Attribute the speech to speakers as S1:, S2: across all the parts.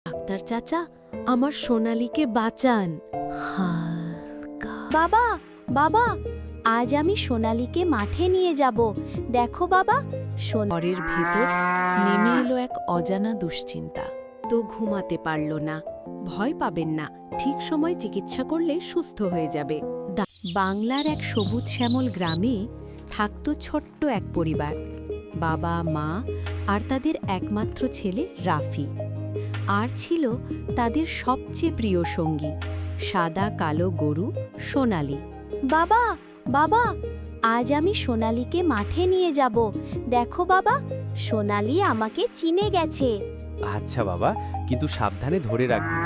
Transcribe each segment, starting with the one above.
S1: Doctor চাচা, আমার সোনালীকে বাঁচান।
S2: বাবা, বাবা, আজ আমি সোনালীকে মাঠে নিয়ে যাব। দেখো বাবা,
S1: ঘরের ভেতর নেমে এলো এক অজানা দুশ্চিন্তা। তো ঘুমাতে পারল না। ভয় পাবেন না, ঠিক সময় চিকিৎসা করলে সুস্থ হয়ে যাবে। বাংলার এক সবুজ শ্যামল গ্রামে থাকত ছোট্ট এক পরিবার। বাবা, মা আর তাদের একমাত্র ছেলে রাফি। আর ছিল তাদের সবচেয়ে প্রিয় সঙ্গী, সাদা কালো গরু সোনালী।
S2: বাবা, বাবা, আজ আমি সোনালীকে মাঠে নিয়ে যাব। দেখো বাবা, সোনালী আমাকে চিনে গেছে।
S3: আচ্ছা বাবা, কিন্তু সাবধানে ধরে রাখবি।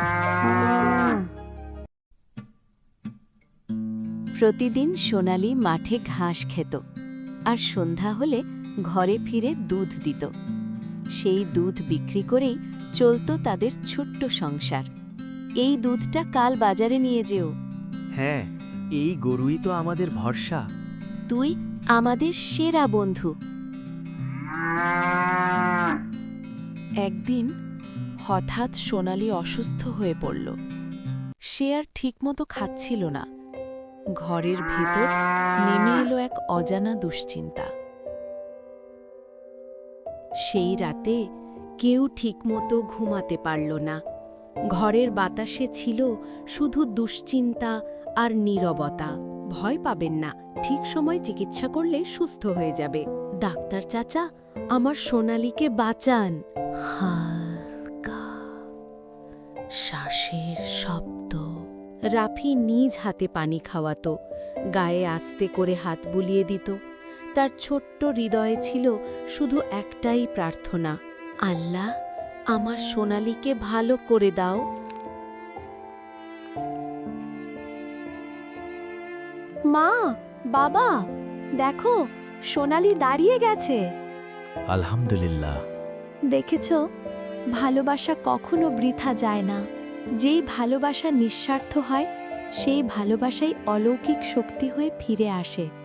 S1: প্রতিদিন সোনালী মাঠে ঘাস খেত আর সন্ধ্যা হলে ঘরে ফিরে দুধ দিত। সেই দুধ বিক্রি করেই চলত তাদের ছোট্ট সংসার। এই দুধটা কাল বাজারে নিয়ে যেও।
S3: হ্যাঁ, এই গরুই তো আমাদের ভরসা।
S1: তুই আমাদের সেরা বন্ধু। একদিন হঠাৎ সোনালী অসুস্থ হয়ে পড়ল। সে আর ঠিকমতো খাচ্ছিল না। ঘরের ভেতর নেমে এলো এক অজানা দুশ্চিন্তা। সেই রাতে কেউ ঠিকমতো ঘুমাতে পারল না। ঘরের বাতাসে ছিল শুধু দুশ্চিন্তা আর নীরবতা। ভয় পাবেন না, ঠিক সময় চিকিৎসা করলে সুস্থ হয়ে যাবে। ডাক্তার চাচা, আমার সোনালীকে বাঁচান। হালকা শ্বাসের শব্দ। রাফি নিজ হাতে পানি খাওয়াতো, গায়ে আস্তে করে হাত বুলিয়ে দিত। তার ছোট্ট হৃদয়ে ছিল শুধু একটাই প্রার্থনা, আল্লাহ, আমার সোনালীকে ভালো করে দাও।
S2: মা, বাবা, দেখো, সোনালী দাঁড়িয়ে গেছে।
S3: আলহামদুলিল্লাহ।
S2: দেখেছ, ভালোবাসা কখনো বৃথা যায় না। যেই ভালোবাসা নিঃস্বার্থ হয়, সেই ভালোবাসাই অলৌকিক শক্তি হয়ে ফিরে আসে।